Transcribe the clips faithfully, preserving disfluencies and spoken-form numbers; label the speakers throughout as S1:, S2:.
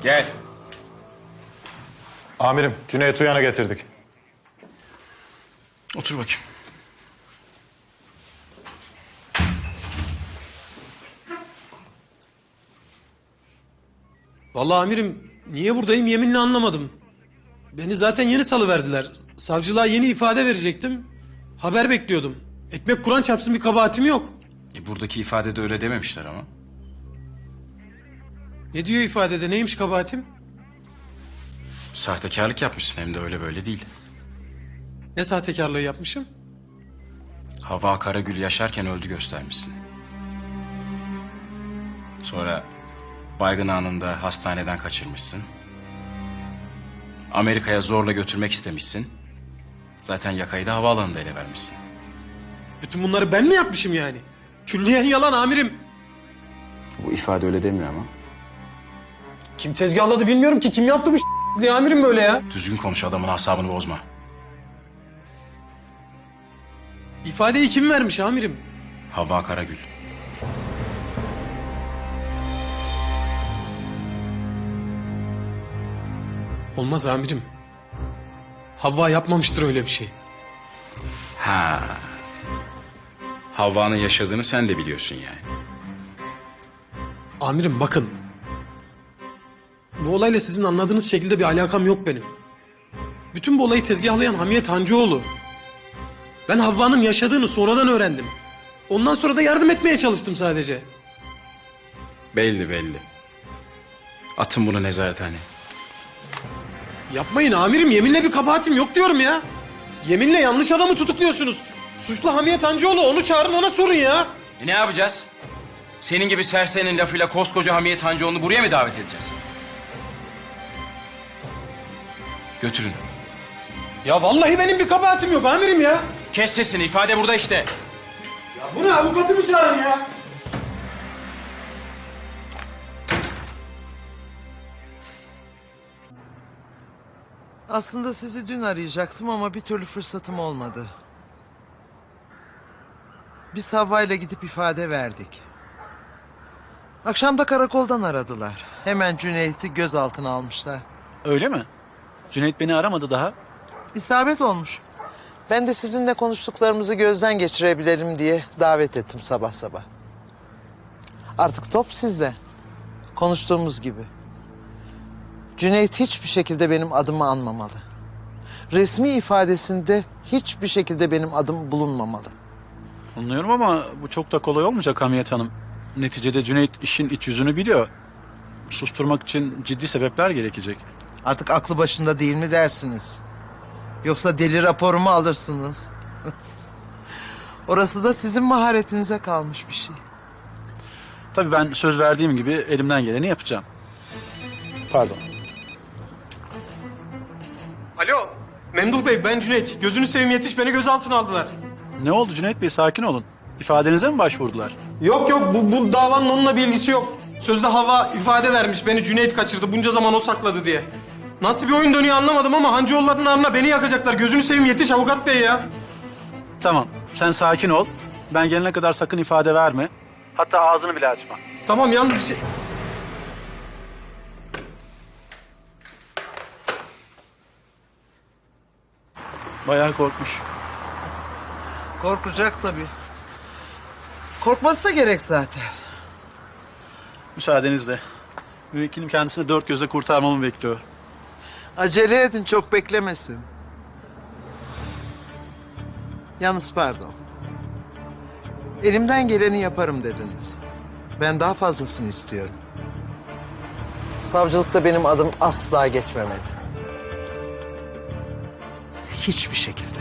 S1: Gel.
S2: Amirim, Cüneyt Uyan'ı getirdik.
S1: Otur bakayım.
S3: Vallahi amirim niye buradayım yeminle anlamadım. Beni zaten yeni salıverdiler. Savcılığa yeni ifade verecektim. Haber bekliyordum. Ekmek Kur'an çarpsın bir kabahatim yok.
S1: E, buradaki ifadede öyle dememişler ama.
S3: Ne diyor ifadede neymiş kabahatim?
S1: Sahtekarlık yapmışsın hem de öyle böyle değil.
S3: Ne sahtekarlığı yapmışım?
S1: Havva Karagül yaşarken öldü göstermişsin. Sonra baygın anında hastaneden kaçırmışsın. Amerika'ya zorla götürmek istemişsin. Zaten yakayı da havaalanında ele vermişsin.
S3: Bütün bunları ben mi yapmışım yani? Külliyen yalan amirim.
S1: Bu ifade öyle demiyor ama.
S3: Kim tezgahladı bilmiyorum ki. Kim yaptı bu diye amirim böyle ya?
S1: Düzgün konuş, adamın asabını bozma.
S3: İfadeyi kim vermiş amirim?
S1: Havva Karagül.
S3: Olmaz amirim. Havva yapmamıştır öyle bir şey.
S1: Ha. Havva'nın yaşadığını sen de biliyorsun yani.
S3: Amirim bakın. Bu olayla sizin anladığınız şekilde bir alakam yok benim. Bütün bu olayı tezgahlayan Hamiyet Hancıoğlu. Ben Havva'nın yaşadığını sonradan öğrendim. Ondan sonra da yardım etmeye çalıştım sadece.
S1: Belli belli. Atın bunu nezarethaneye.
S3: Yapmayın amirim, yeminle bir kabahatim yok diyorum ya. Yeminle yanlış adamı tutukluyorsunuz. Suçlu Hamiyet Hancıoğlu, onu çağırın ona sorun ya.
S1: E ne yapacağız? Senin gibi serserinin lafıyla koskoca Hamiyet Hancıoğlu'nu buraya mı davet edeceğiz? Götürün.
S3: Ya vallahi benim bir kabahatim yok amirim ya.
S1: Kes sesini, ifade burada işte.
S3: Ya bu ne, avukatımı çağırın ya.
S4: Aslında sizi dün arayacaktım ama bir türlü fırsatım olmadı. Biz Havva'yla gidip ifade verdik. Akşam da karakoldan aradılar. Hemen Cüneyt'i gözaltına almışlar.
S5: Öyle mi? Cüneyt beni aramadı daha.
S4: İsabet olmuş. Ben de sizinle konuştuklarımızı gözden geçirebilelim diye davet ettim sabah sabah. Artık top sizde. Konuştuğumuz gibi. Cüneyt hiçbir şekilde benim adımı anmamalı. Resmi ifadesinde hiçbir şekilde benim adım bulunmamalı.
S5: Anlıyorum ama bu çok da kolay olmayacak Hamiyet Hanım. Neticede Cüneyt işin iç yüzünü biliyor. Susturmak için ciddi sebepler gerekecek.
S4: Artık aklı başında değil mi dersiniz? Yoksa deli raporumu alırsınız. Orası da sizin maharetinize kalmış bir şey.
S5: Tabii ben söz verdiğim gibi elimden geleni yapacağım. Pardon.
S3: Alo. Memduh Bey, ben Cüneyt. Gözünü seveyim yetiş, beni gözaltına aldılar.
S5: Ne oldu Cüneyt Bey, sakin olun. İfadenize mi başvurdular?
S3: Yok yok, bu, bu davanın onunla bir ilgisi yok. Sözde Havva ifade vermiş, beni Cüneyt kaçırdı, bunca zaman o sakladı diye. Nasıl bir oyun dönüyor anlamadım ama Hancıoğulları'nın namına beni yakacaklar. Gözünü seveyim yetiş avukat bey ya.
S5: Tamam, sen sakin ol. Ben gelene kadar sakın ifade verme. Hatta ağzını bile açma.
S3: Tamam, yalnız bir şey...
S5: Bayağı korkmuş.
S4: Korkacak tabii. Korkması da gerek zaten.
S5: Müsaadenizle. Müvekkilim kendisini dört gözle kurtarmamı bekliyor.
S4: Acele edin, çok beklemesin. Yalnız pardon. Elimden geleni yaparım dediniz. Ben daha fazlasını istiyorum. Savcılıkta benim adım asla geçmemeli. Hiçbir şekilde.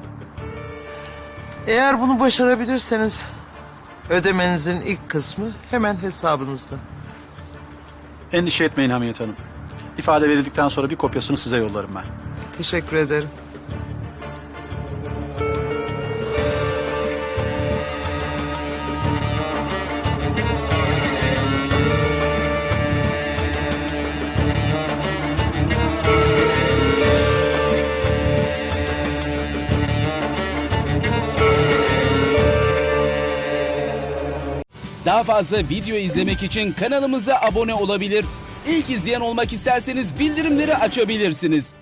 S4: Eğer bunu başarabilirseniz ödemenizin ilk kısmı hemen hesabınızda.
S5: Endişe etmeyin Hamiyet Hanım. İfade verildikten sonra bir kopyasını size yollarım ben.
S4: Teşekkür ederim.
S6: Daha fazla video izlemek için kanalımıza abone olabilir. İlk izleyen olmak isterseniz bildirimleri açabilirsiniz.